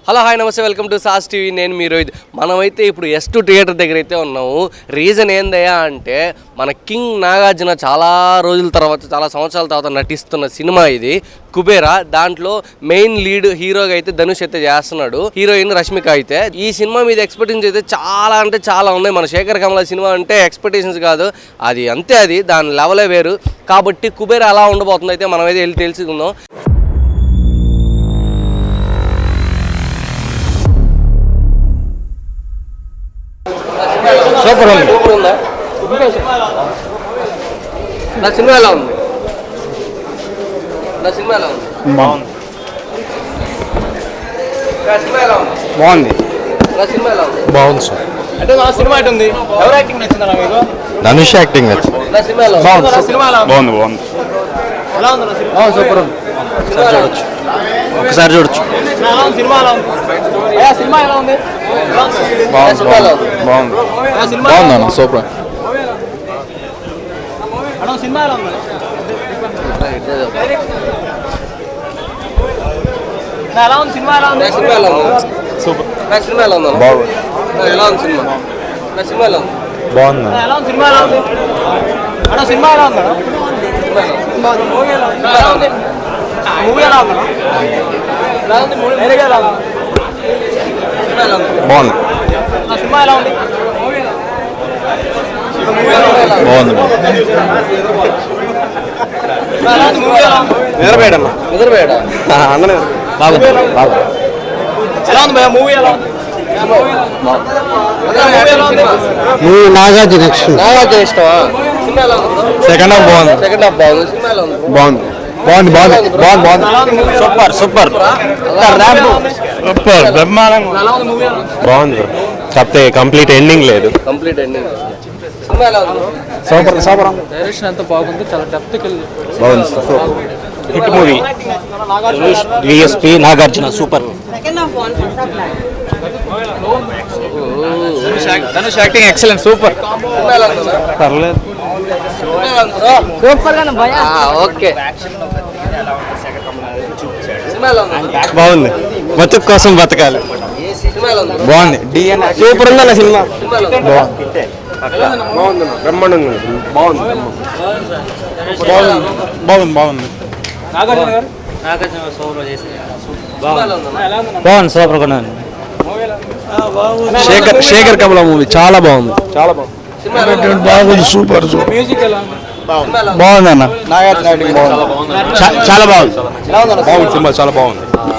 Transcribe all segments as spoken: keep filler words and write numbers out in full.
Hello hi namaste welcome to సాస్ TV. నేను మీ రోహిత్. మనమైతే ఇప్పుడు ఎస్ టూ థియేటర్ దగ్గర అయితే ఉన్నాము. రీజన్ ఏందయ్యా అంటే మన కింగ్ నాగార్జున చాలా రోజుల తర్వాత చాలా సంవత్సరాల తర్వాత నటిస్తున్న సినిమా ఇది కుబేరా. దాంట్లో మెయిన్ లీడ్ హీరోగా అయితే ధనుష్ అయితే చేస్తున్నాడు, హీరోయిన్ రష్మిక అయితే. ఈ సినిమా మీద ఎక్స్పెక్టేషన్స్ అయితే చాలా అంటే చాలా ఉన్నాయి. మన శేఖర్ కమల సినిమా అంటే ఎక్స్పెక్టేషన్స్ కాదు, అది అంతే, అది దాని లెవలే వేరు. కాబట్టి కుబేరా ఎలా ఉండబోతుంది అయితే మనం అయితే వెళ్ళి తెలుసుకుందాం. సూపర్ ఉంది. సూపర్ ఉందా? నా సినిమా ఎలా ఉంది? నా సినిమా ఎలా ఉంది? బాగుంది. నా సినిమా ఎలా ఉంది? బాగుంది. నా సినిమా ఎలా ఉంది? బాగుంది సార్. అంటే నా సినిమా ఎటు ఉంది? ఎవరు యాక్టింగ్ నచ్చిందా మీకు? ధనుష్ యాక్టింగ్ నచ్చింది. నా సినిమా ఎలా ఉంది? బాగుంది. సినిమా ఎలా ఉంది? బాగుంది బాగుంది ఎలా ఉంది నా సినిమా? సూపర్ ఉంది. చూడొచ్చు, ఒకసారి చూడొచ్చు. ఎలా ఉంది సినిమా? ఎలా ఉంది? అయ్యా సినిమా ఎలా ఉంది? బాగుంది బాగుంది బాగుంది అన్న సూపర్. అన్న సినిమా ఎలా ఉంది? ఎలా ఉంది సినిమా? ఎలా ఉంది? నా సినిమా ఎలా ఉంది? సూపర్. నా సినిమా ఎలా ఉంది? బాగుంది. ఎలా ఉంది సినిమా? నా సినిమా ఎలా ఉంది? బాగుంది. ఎలా ఉంది సినిమా? ఎలా ఉంది? అన్న సినిమా ఎలా ఉంది? మూవీ ఎలా ఉంది? ఎలా ఉంది? మూవీ ఎలా ఉంది? ఎలా ఉంది? మూవీ ఎలా ఉంది? బాగుంది. నా సినిమా ఎలా ఉంది? బాగుంది. ఎలా ఉంది? మూవీ ఎలా ఉంది? నిద్రపోయాడమ్మా. నిద్రపోయాడా? అన్న బాగుంది బాగుంది. ఎలా ఉంది భయ్యా? మూవీ ఎలా ఉంది? నువ్వు నాగార్జున నెక్స్ట్ నాగార్జున ఇష్టమా? సినిమా ఎలా ఉంది? సెకండ్ హాఫ్ బాగుంది. సెకండ్ హాఫ్ బాగుంది. సినిమా ఎలా ఉంది? బాగుంది బాగుంది బాగుంది బాగుంది బాగుంది సూపర్ సూపర్ సూపర్ బ్రహ్మాండంగా ఎలా ఉంది? మూవీ ఎలా ఉంది? బాగుంది. కాకపోతే కంప్లీట్ ఎండింగ్ లేదు. Complete ending. సినిమా ఎలా ఉంది? సూపర్ సూపర్ డైరెక్షన్ ఎంత బాగుంది, చాలా డెప్త్కి వెళ్ళి బాగుంది. Hit movie. VSP Nagarjuna super. Dhanush acting excellent, super. సినిమా ఎలా ఉంది? పర్లేదు. సూపర్ గానే భయ్యా. ఓకే. సినిమా ఎలా ఉంది? బాగుంది. బతుకు కోసం బతకాలి. సినిమా ఎలా ఉంది? బాగుంది. సూపర్ ఉందన్న సినిమా. సినిమా ఎలా ఉంది? బాగుంది బ్రహ్మాండంగా బాగుంది బాగుంది బాగుంది బాగుంది నాగార్జున గారు సినిమా ఎలా ఉంది? బాగుంది సూపర్ కూడా. శేఖర్ శేఖర్ కమల మూవీ చాలా బాగుంది. చాలా బాగుంది. సినిమా ఎలా ఉంది? బాగుంది సూపర్ సూపర్ మ్యూజిక్ ఎలా ఉంది? సినిమా ఎలా ఉంది? బాగుంది అన్న. నాగార్జున యాక్టింగ్ బాగుంది. చా- చాలా బాగుంది. బాగుంది సినిమా చాలా బాగుంది.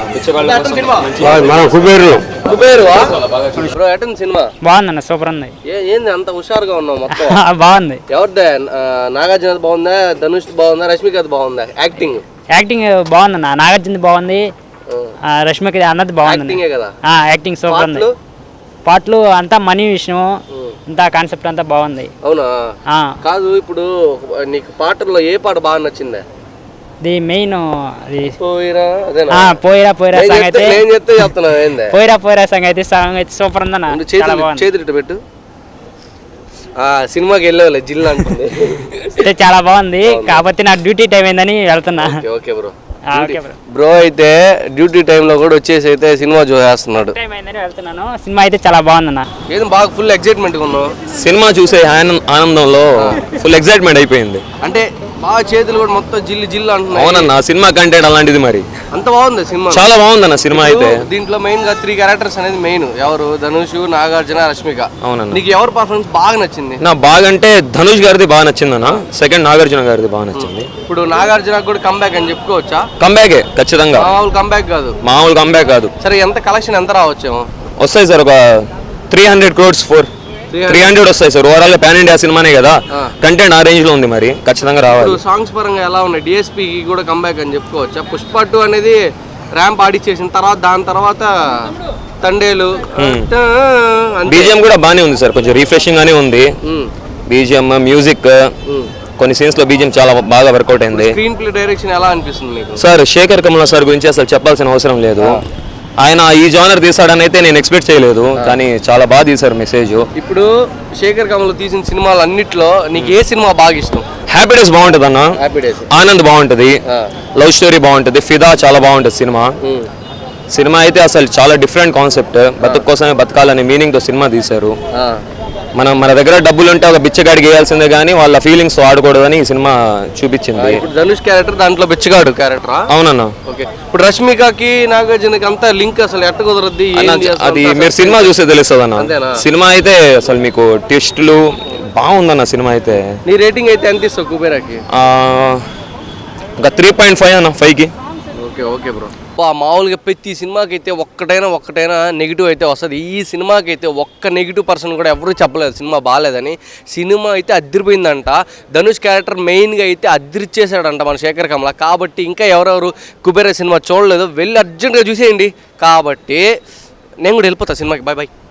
మనం కుబేరు కుబేరువా? బ్రో ఎటన్ సినిమా బాగుందన్న, సూపర్ ఉంది. ఏ ఏంది అంత హుషారుగా ఉన్నావు మొత్తం? బాగుంది. ఎవరిదే? ఆ, నాగార్జున బాగుందా, ధనుష్ బాగుందా, రష్మిక బాగుందా? యాక్టింగ్ యాక్టింగ్ బాగుందన్న. నాగార్జున బాగుంది, ఆ, రష్మిక అన్నది బాగుంది. యాక్టింగే కదా. ఆ, యాక్టింగ్ సూపర్ ఉంది. పాటలు? పాటలు అంతా మనీ విషయం, అంతా కాన్సెప్ట్ అంతా బాగుంది. అవునా? ఆ, కాదు, ఇప్పుడు నీకు పాటల్లో ఏ పాట బాగా నచ్చిందా? ఇది మెయిన్ అది పోయిరా అదేనా? ఆ, పోయిరా పోయిరా నేను సాంగ్ చెప్తే అయితే నేను చెప్తే చెప్తున్నావు ఏందే? పోయిరా పోయిరా సాంగ్ అయితే సాంగ్ అయితే సూపర్ ఉందన్న, చాలా చేతులు బాగుంది. చేతులు ఇటు పెట్టు. ఆ సినిమాకి వెళ్ళేవాళ్ళే జిల్లా అంటుంది. అయితే చాలా బాగుంది. కాకపోతే నా డ్యూటీ టైం అయిందని వెళ్తున్నా. Okay, okay bro. ఆ, ఓకే బ్రో. బ్రో అయితే డ్యూటీ టైంలో కూడా వచ్చేసి అయితే సినిమా చూసేస్తున్నాడు. టైం అయిందని వెళ్తున్నాను. సినిమా అయితే చాలా బాగుందన్న. ఏదో బాగా ఫుల్ ఎక్సైట్మెంట్గా ఉన్నావు. సినిమా చూసే ఆనంద- ఆనందంలో ఫుల్ ఎక్సైట్మెంట్ అయిపోయింది. అంటే బాగా చేతులు కూడా మొత్తం జిల్లు జిల్లు అంటున్నాయి. అవునన్న, సినిమా కంటెంట్ అలాంటిది. మరి అంత బాగుంది సినిమా. చాలా బాగుందన్న సినిమా అయితే. దీంట్లో మెయిన్ గా త్రీ క్యారెక్టర్స్ అనేది మెయిన్. ఎవరు? ధనుష్, నాగార్జున, రష్మిక. అవునన్న. నీకు ఎవరు పర్ఫార్మెన్స్ బాగా నచ్చింది? నా బాగంటే ధనుష్ గారిది బాగా నచ్చిందన్న. సెకండ్ నాగార్జున గారిది బాగా నచ్చింది. ఇప్పుడు నాగార్జున కూడా కంబ్యాక్ అని చెప్పుకోవచ్చా? కంబ్యాకే ఖచ్చితంగా. మామూలు కంబ్యాక్ కాదు. మామూలు కంబ్యాక్ కాదు. సరే, ఎంత కలెక్షన్ ఎంత రావచ్చేమో? వస్తాయి సార్, ఒక three hundred crores four three hundred వస్తాయి సార్. ఓవరాల్ పాన్ ఇండియా సినిమానే కదా, కంటెంట్ ఆ రేంజ్ లో ఉంది. మరి ఖచ్చితంగా రావాలి. ఇప్పుడు సాంగ్స్ పరంగా ఎలా ఉన్నాయి? డిఎస్పీ కూడా కంబ్యాక్ అని చెప్పుకోవచ్చా? పుష్ప టూ అనేది ర్యాంప్ ఆడిచ్చేసిన తర్వాత దాని తర్వాత తండేలు బీజిఎం కూడా బాగానే ఉంది సార్, కొంచెం రిఫ్రెషింగ్ గానే ఉంది. బీజిఎం, మ్యూజిక్, కొన్ని సీన్స్ లో బీజిఎం చాలా బాగా వర్కౌట్ అయింది. స్క్రీన్ ప్లే డైరెక్షన్ ఎలా అనిపిస్తుంది మీకు? సార్ శేఖర్ కమల సార్ గురించి అసలు చెప్పాల్సిన అవసరం లేదు. ఆయన ఈ జానర్ తీసాడని అయితే నేను ఎక్స్పెక్ట్ చేయలేదు, కానీ చాలా బాగా తీశారు మెసేజ్. ఇప్పుడు శేఖర్ కమల్ తీసిన సినిమాలు అన్నిట్లో నీకు ఏ సినిమా బాగా ఇష్టం? హ్యాపీ డేస్ బాగుంటుంది అన్న, ఆనంద్ బాగుంటుంది, లవ్ స్టోరీ బాగుంటుంది, ఫిదా చాలా బాగుంటుంది సినిమా. సినిమా అయితే అసలు చాలా డిఫరెంట్ కాన్సెప్ట్, బతుకు కోసమే బతకాలనే మీనింగ్తో సినిమా తీశారు. మనం మన దగ్గర డబ్బులు ఉంటే ఒక బిచ్చగాడికి వేయాల్సిందే కానీ వాళ్ళ ఫీలింగ్స్ ఆడకూడదని ఈ సినిమా చూపించింది. ఇప్పుడు ధనుష్ క్యారెక్టర్ దాంట్లో బిచ్చగాడు క్యారెక్టరా? అవునన్నా. ఓకే, ఇప్పుడు రష్మికకి నాగార్జునకి అంతా లింక్ అసలు ఎట్ట కుదరద్ది? అది మీరు సినిమా చూస్తే తెలుస్తుంది అన్న. సినిమా అయితే అసలు మీకు ట్విస్టులు బాగుందన్న సినిమా అయితే. నీ రేటింగ్ అయితే ఎంత ఇస్తావు కుబేరాకి? ఇంకా త్రీ పాయింట్ ఫైవ్ అన్న ఫైవ్కి. Okay okay bro. మామూలుగా ప్రతి సినిమాకి అయితే ఒక్కటైనా ఒక్కటైనా నెగిటివ్ అయితే వస్తుంది. ఈ సినిమాకి అయితే ఒక్క నెగిటివ్ పర్సన్ కూడా ఎవరు చెప్పలేదు సినిమా బాగాలేదని. సినిమా అయితే అద్దరిపోయిందంట. ధనుష్ క్యారెక్టర్ మెయిన్గా అయితే అద్దరిచ్చేసాడంట మన శేఖర్ కమల. కాబట్టి ఇంకా ఎవరెవరు కుబేర సినిమా చూడలేదు వెళ్ళి అర్జెంట్గా చూసేయండి. కాబట్టి నేను కూడా వెళ్ళిపోతా సినిమాకి. Bye bye.